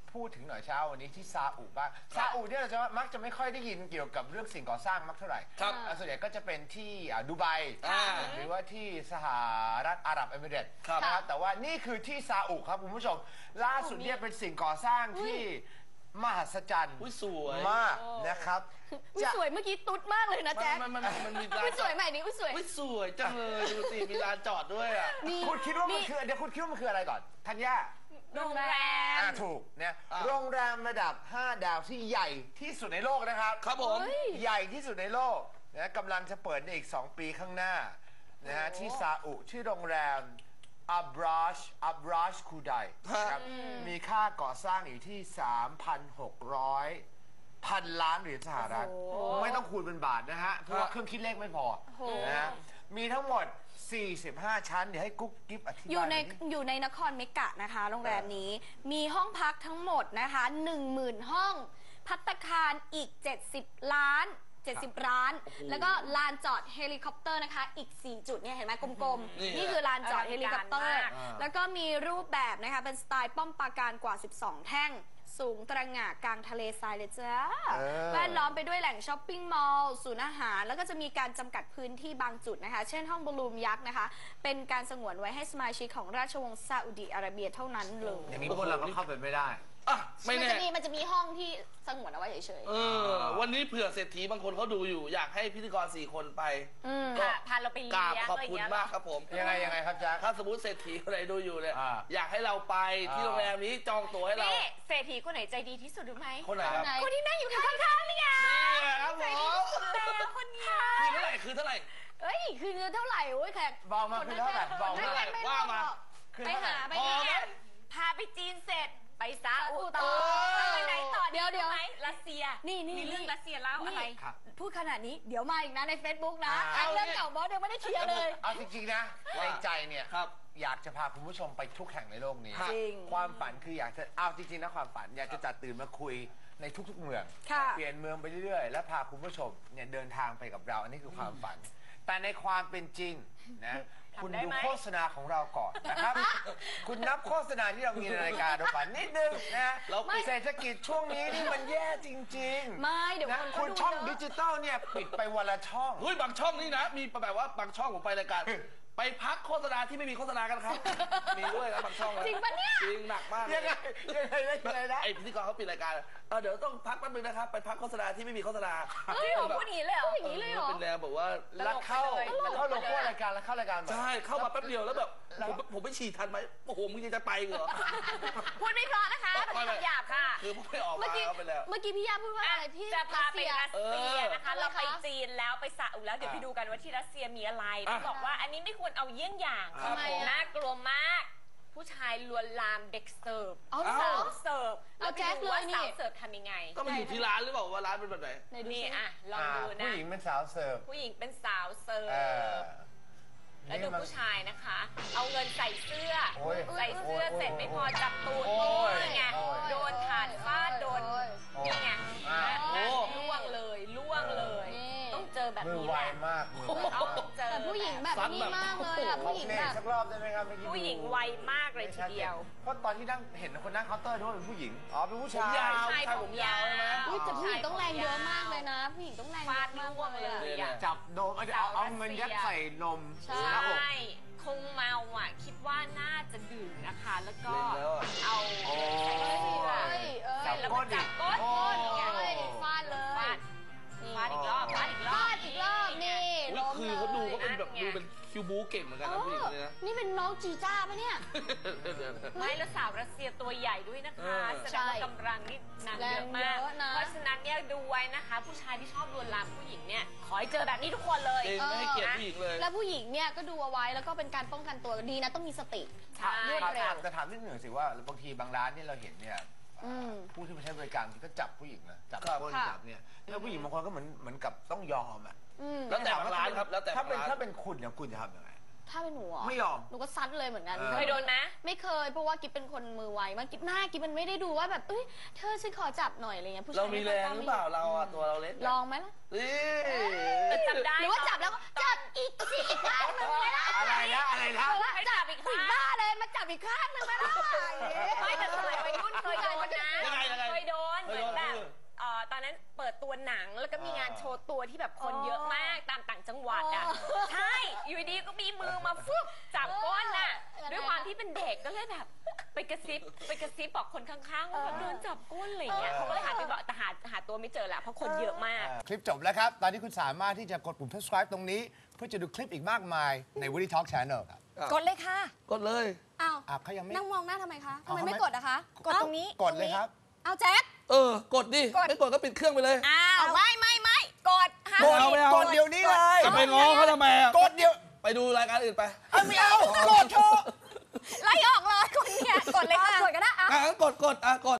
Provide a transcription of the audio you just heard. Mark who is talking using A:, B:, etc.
A: พูดถึงหน่อยเช้าวันนี้ที่ซาอุบ้างซาอุเนี่ยเราจะมักจะไม่ค่อยได้ยินเกี่ยวกับเรื่องสิ่งก่อสร้างมักเท่าไหร่ส่วนใหญ่ก็จะเป็นที่ดูไบหรือว่าที่สหรัฐอาหรับเอมิเรตส์นะครับแต่ว่านี่คือที่ซาอุครับคุณผู้ชมล่าสุดเนี่ยเป็นสิ่งก่อสร้างที่มหัศจรรย์
B: สวย
A: มากนะครับ
C: สวยเมื่อกี้ตุ๊ดมากเลยนะแจ๊ค
B: มันมีลาน
C: สวยใหม่นี้สวย
B: สวยจังเลยดูสิมีลานจอดด้วยอ่ะ
A: คุณคิดว่ามันคือเดี๋ยวคุณคิดว่ามันคืออะไรก่อนธัญญา
C: โรงแรม
A: ถูกเนี่ยโรงแรมระดับ5 ดาวที่ใหญ่ที่สุดในโลกนะครับ
B: ครับผม
A: ใหญ่ที่สุดในโลกนะกำลังจะเปิดในอีก2 ปีข้างหน้านะฮะที่ซาอุที่โรงแรมอับราชคูไดครับมีค่าก่อสร้างอยู่ที่ 3,600 ล้านเหรียญสหรัฐไม่ต้องคูณเป็นบาทนะฮะเพราะว่าเครื่องคิดเลขไม่พอนะฮะมีทั้งหมด45 ชั้นเดี๋ยวให้กุ๊กกิ๊บอธิบาย
C: อยู่ในนครเมกะนะคะโรงแรมนี้มีห้องพักทั้งหมดนะคะ 10,000 ห้องภัตตาคารอีก70 ร้านแล้วก็ลานจอดเฮลิคอปเตอร์นะคะอีก4 จุดเนี่ยเห็นไหมกลมๆนี่คือลานจอดเฮลิคอปเตอร์แล้วก็มีรูปแบบนะคะเป็นสไตล์ป้อมปราการกว่า12 แท่งสูงตระหง่ากลางทะเลทรายเลยจ้าแวดล้อมไปด้วยแหล่งช้อปปิ้งมอลล์ศูนย์อาหารแล้วก็จะมีการจำกัดพื้นที่บางจุดนะคะเช่นห้องบอลลูมยักษ์นะคะเป็นการสงวนไว้ให้สมาชิกของราชวงศ์ซาอุดิอาระเบียเท่านั้นเลย
A: อย่างนี้พวกเราก็เข้าไปไม่ได้
B: ไม่แน่
C: มันจะมีห้องที่สงวนเอาไว้เฉย
B: ๆวันนี้เผื่อเศรษฐีบางคนเขาดูอยู่อยากให้พิธีกร4 คนไป
C: พาเราไปเลี้ยง
B: ขอบคุณมากครับผม
A: ยังไงครับจ๊ะ
B: ถ้าสมมติเศรษฐีคนไหนดูอยู่เนี่ยอยากให้เราไปที่โรงแรมนี้จองตั๋วให้เรา
C: เศรษฐีคนไหนใจดีที่สุดรู้ไหม
B: คนไหนครับ
C: คนที่นั่งอยู่ข้างๆนี่ไง
B: ครับผม
C: คนนี้
B: คือเท่าไหร่
C: เอ้ยคือเงินเท่าไหร่โอ้ยแขก
A: บอกมาคือเท่าไหร่บอกมา
B: ว่ามา
C: ไปหาไปพาไปจีนเสร็จไปซาอุต่อไปไหนต่อเดี๋ยวไหมรัสเซียนี่มีเรื่องรัสเซียแล้วอะไรพูดขนาดนี้เดี๋ยวมาอีกนะใน Facebook นะเรื่องเก่าบอสยังไม่ได้เคลียร์เลย
A: เอาจริงๆนะในใจเนี่ยอยากจะพาคุณผู้ชมไปทุกแห่งในโลกนี้ความฝันคืออยากจะเอาจริงๆนะความฝันอยากจะจัดตื่นมาคุยในทุกๆเมืองเปลี่ยนเมืองไปเรื่อยๆและพาคุณผู้ชมเนี่ยเดินทางไปกับเราอันนี้คือความฝันแต่ในความเป็นจริงนะคุณดูโฆษณาของเราก่อนนะครับคุณนับโฆษณาที่เรามีในรายการดูก่อนนิดนึงนะเศรษฐกิจช่วงนี้นี่มันแย่จริงๆ
C: ไม่เดี๋ยว
A: คุณช่องดิจิตอลเนี่ยปิดไปวันละช่อง
B: บางช่องนี่นะมีแบบว่าบางช่องผมไปรายการไปพักโฆษณาที่ไม่มีโฆษณากันครับมีด้วยนะบางช่อง
C: จริงปะเนี่ย
B: จริงหนักมาก
A: ยังไง
B: ไอพิธีกรเขาปิดรายการเดี๋ยวต้องพักแป๊บนึงนะครับไปพักโฆษณาที่ไม่มีโฆษณา
C: พูดอย่างนี้เลยเหรออย่างนี้เลยเหรอ
B: เป็นแนวแบบว่า
A: แล้วเข้าโลโก้รายการแล้วเข้ารายการ
B: ใช่เข้ามาแป๊บเดียวแล้วแบบผมไม่ฉีดทันไหมโอ้โหมึงยังจะไปเหรอ
C: พูดไม่เพราะนะคะเป็นคำหยาบค่ะ
B: คือไม่ออกมาไปแล้ว
C: เมื่อกี้พี่ยาพูดว่าอะไรที่
D: จะพาไปรัสเซียนะคะเราไปจีนแล้วไปซาอุแล้วเดี๋ยวไปดูกันว่าที่รัสเซียมีอะไรต้องบอกว่าอันนี้ไม่ควรเอาเยี่ยงอย่างน่ากลัวมากผู้ชายลวนลามเด็กเสิร์ฟสาวเสิร์ฟ
C: เอาแจ๊คเลยนี่
D: สาวเสิร์ฟทำยังไง
B: ก็มาอยู่ที่ร้านหรือเปล่าว่าร้านเป็นแบบไหน
D: นี่ลองดูนะ
A: ผู้หญิงเป็นสาวเสิร์ฟ
D: ผู้หญิงเป็นสาวเสิร์ฟแล้วดูผู้ชายนะคะเอาเงินใส่เสื้อเสร็จไม่พอจับตูดนี่ไงโดนถาดฟาดโดนนี่ไงล่วงเลยต้องเจอแบบนี้แหละ
C: แต่ผู้หญิงแบบนี้มากเลยอ่ะผู้หญิงแบบ
A: สักรอบได้ไหมครับ
D: ผู้หญิงไวมากเลยทีเดียว
A: เพราะตอนที่นั่งเห็นคนนั่งเคาน์เตอร์ด้วยเป็นผู้หญิงเป็นผู้ชาย
B: ผมยาวใช่ไหม
C: แต่ผู้หญิงต้องแรงเยอะมากเลยนะผู้หญิงต้องแรง
D: ฟาดล่วงเลย
A: จับนมเอาเงินยัดใส่นม
D: ใช่คงเมาคิดว่าน่าจะดื่มนะคะแล้วก็เอาใส่เสื้อแล้วก็จับก้น
C: ฟาดเลย
D: ฟาดอีกรอบ
C: นี่
B: คือเขาดูก็เป็นแบบดูเป็นคิวบูเก่งเหมือนกันนะผู้หญิงเลยนะ
C: นี่เป็นน้องจีจ้าปะเนี่ย
D: ไม่แล้วสาวรัสเซียตัวใหญ่ด้วยนะคะแสดงว่ากำลังนี่หนักเยอะมากเพราะฉะนั้นเนี่ยดูไว้นะคะผู้ชายที่ชอบลวนลามผู้หญิงเนี่ยขอให้เจอแบบนี้ทุกคนเลย
B: ไม่ให้เกียรติผู้หญิงเลย
C: แล้วผู้หญิงเนี่ยก็ดูเอาไว้แล้วก็เป็นการป้องกันตัวดีนะต้องมีสติ
A: รวดเร็วแต่ถามนิดหนึ่งสิว่าบางทีบางร้านที่เราเห็นเนี่ยผู้ที่มาใช้บริการก็จับผู้หญิงนะจับคนจับเนี่ยแล้วผู้หญิงบางคนก็เหมือนกับต้องยอม
B: แล้วแต่ร้านครับแล้วแต่
A: ถ้าเป็นคุณเนี่ยคุณจะทำยังไง
C: ถ้าเป็นหนู
A: ไม่ยอม
C: หนูก็ซัดเลยเหมือนกัน
D: เคยโดนไหม
C: ไม่เคยเพราะว่ากิ๊บเป็นคนมือไวมากกิ๊บหน้ากิ๊บมันไม่ได้ดูว่าแบบเธอฉันขอจับหน่อยอะไรเงี้ย
B: ผู้ชายเรามีแรงหรือเปล่าเราตัวเราเล็ก
C: ลองไหมล่ะ
D: จับได้
C: หรือว่าจับแล้วจับอีกข้างนึงไหมล่ะ
A: อะไรนะ
C: จับอีกบ้าเลยมาจับอีกข้างนึงไหมล่ะ
D: ไม่แต่สมัยวัยรุ่นเคยโดนนะที่แบบคนเยอะมากตามต่างจังหวัดอ่ะใช่อยู่ดีก็มีมือมาฟึบจับก้นน่ะด้วยความที่เป็นเด็กก็เลยแบบไปกระซิบบอกคนข้างๆว่าแบบโดนจับก้นอะไรอย่างเงี้ยเขาก็เลยหันไปบอกแต่หาตัวไม่เจอละเพราะคนเยอะมาก
A: คลิปจบแล้วครับ ตอนนี้คุณสามารถที่จะกดปุ่ม subscribe ตรงนี้ เพื่อจะดูคลิปอีกมากมายใน Woody Talk Channel ครับ
C: กดเลยค่ะ
B: กดเลย
C: อ้าว
A: เขายังไม่
C: นั่งมองหน้าทำไมคะทำ
A: เอา
C: ไม
A: ทำไม
C: ไม่กดอะคะ กดตรงนี้
A: กดเลยครับ
C: เอาแจ็ค
B: กดดิ ไม่กดก็ปิดเครื่องไปเลย
C: อ้าวไม่กดห้าม
B: กดเอาไม่เอา
A: กดเดี๋ยวนี้เลย
B: จะไปง้อเขาทำไมอ่ะ
A: กดเดี๋ยว
B: ไปดูรายการอื่นไป
A: ไม่เอากดเถอะ
C: ไล่ออกเลยคนเนี่ยกดเลยค่ะกดก็ได้
B: กดกด